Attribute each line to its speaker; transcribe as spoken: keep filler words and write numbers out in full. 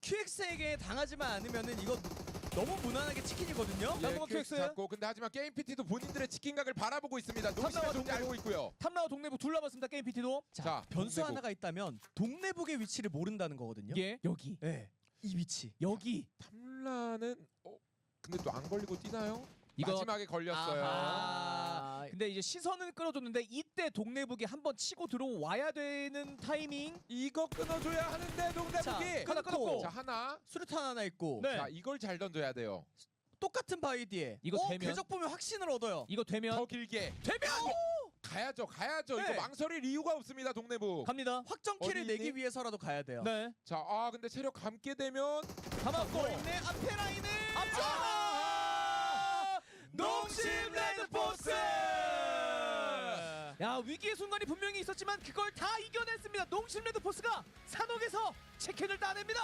Speaker 1: 큐엑스에게 당하지만 않으면은 이거 너무 무난하게 치킨이거든요.
Speaker 2: 예,
Speaker 1: 남동아
Speaker 2: 큐엑스
Speaker 1: 큐엑스.
Speaker 2: 잡고 근데 하지만 게임 피티도 본인들의 치킨각을 바라보고 있습니다. 농심의
Speaker 1: 탐나와
Speaker 2: 존재 알고
Speaker 1: 동네북.
Speaker 2: 있고요.
Speaker 1: 탐나와 동네북 둘 남았습니다. 게임 피티도. 자,
Speaker 2: 자,
Speaker 1: 변수
Speaker 2: 동네북.
Speaker 1: 하나가 있다면 동네북의 위치를 모른다는 거거든요.
Speaker 3: 예. 여기.
Speaker 1: 네. 이 위치.
Speaker 3: 여기.
Speaker 2: 탐라는 어 근데 또 안 걸리고 뛰나요?
Speaker 3: 이거-
Speaker 2: 마지막에 걸렸어요.
Speaker 3: 아하.
Speaker 1: 근데 이제 시선은 끌어줬는데 이때 동네북이 한번 치고 들어와야 되는 타이밍.
Speaker 2: 이거 끊어줘야 하는데
Speaker 1: 자,
Speaker 2: 동대북이
Speaker 1: 하나 끊었고.
Speaker 2: 자 하나.
Speaker 1: 수류탄 하나 있고.
Speaker 3: 네.
Speaker 2: 자 이걸 잘 던져야 돼요.
Speaker 1: 똑같은 바위디에.
Speaker 3: 이거
Speaker 1: 어,
Speaker 3: 되면-
Speaker 1: 궤적 보면 확신을 얻어요.
Speaker 3: 이거 되면
Speaker 2: 더 길게
Speaker 1: 되면
Speaker 2: 가야죠, 가야죠.
Speaker 1: 네.
Speaker 2: 이거 망설일 이유가 없습니다, 동네북.
Speaker 3: 갑니다.
Speaker 1: 확정키를
Speaker 2: 어디
Speaker 1: 내기
Speaker 2: 있니?
Speaker 1: 위해서라도 가야 돼요.
Speaker 3: 네.
Speaker 2: 자, 아 근데 체력 감게 되면
Speaker 3: 감았고.
Speaker 1: 있네 앞에 라인을.
Speaker 3: 앞쪽!
Speaker 1: 아! 농심 레드포스.
Speaker 3: 야, 위기의 순간이 분명히 있었지만 그걸 다 이겨냈습니다. 농심 레드포스가 산옥에서 치킨을 따냅니다.